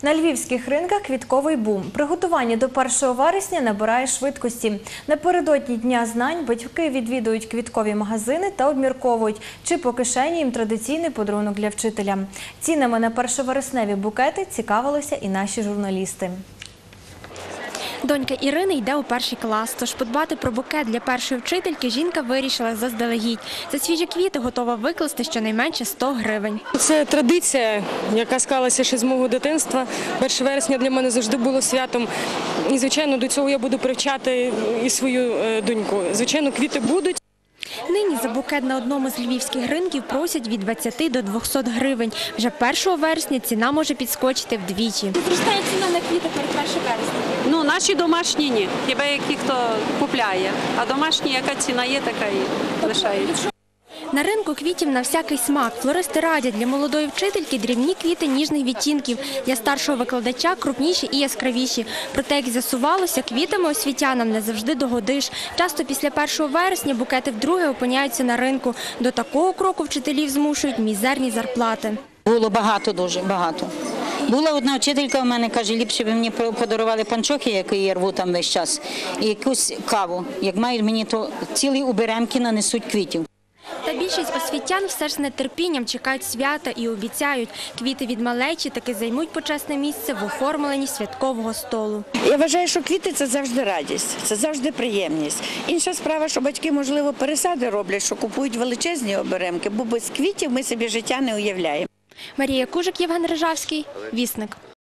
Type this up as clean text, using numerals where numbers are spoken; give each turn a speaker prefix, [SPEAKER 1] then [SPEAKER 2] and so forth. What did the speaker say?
[SPEAKER 1] На львівських ринках квітковий бум. Приготування до 1 вересня набирає швидкості. Напередодні Дня знань батьки відвідують квіткові магазини та обмірковують, чи по кишені їм традиційний подарунок для вчителя. Цінами на першовересневі букети цікавилися і наші журналісти.
[SPEAKER 2] Донька Ірини йде у 1-й клас, тож подбати про букет для першої вчительки жінка вирішила заздалегідь. За свіжі квіти готова викласти щонайменше 100 гривень.
[SPEAKER 3] Це традиція, яка склалася ще з мого дитинства. 1 вересня для мене завжди було святом. І, звичайно, до цього я буду привчати і свою доньку. Звичайно, квіти будуть.
[SPEAKER 2] Нині за букет на одному з львівських ринків просять від 20 до 200 гривень. Вже 1 вересня ціна може підскочити вдвічі.
[SPEAKER 4] Зростає ціна на квіти перед 1 вересня? Ну, наші домашні ні. Хіба які хто купляє. А домашні, яка ціна є, така і лишається.
[SPEAKER 2] На ринку квітів на всякий смак. Флористи радять для молодої вчительки дрібні квіти ніжних відтінків, для старшого викладача крупніші і яскравіші. Проте, як з'ясувалося, квітами освітянам не завжди догодиш. Часто після 1 вересня букети вдруге опиняються на ринку. До такого кроку вчителів змушують мізерні зарплати.
[SPEAKER 5] Було багато, дуже багато. Була одна вчителька у мене, каже, ліпше б мені подарували панчохи, які я рву там весь час, і якусь каву. Як мають мені, то цілі уберемки нанесуть квітів.
[SPEAKER 2] Та більшість освітян все ж з нетерпінням чекають свята і обіцяють, квіти від малечі таки займуть почесне місце в оформленні святкового столу.
[SPEAKER 6] Я вважаю, що квіти – це завжди радість, це завжди приємність. Інша справа, що батьки, можливо, пересади роблять, що купують величезні оберемки, бо без квітів ми собі життя не уявляємо.
[SPEAKER 2] Марія Кужик, Євген Рижавський, Вісник.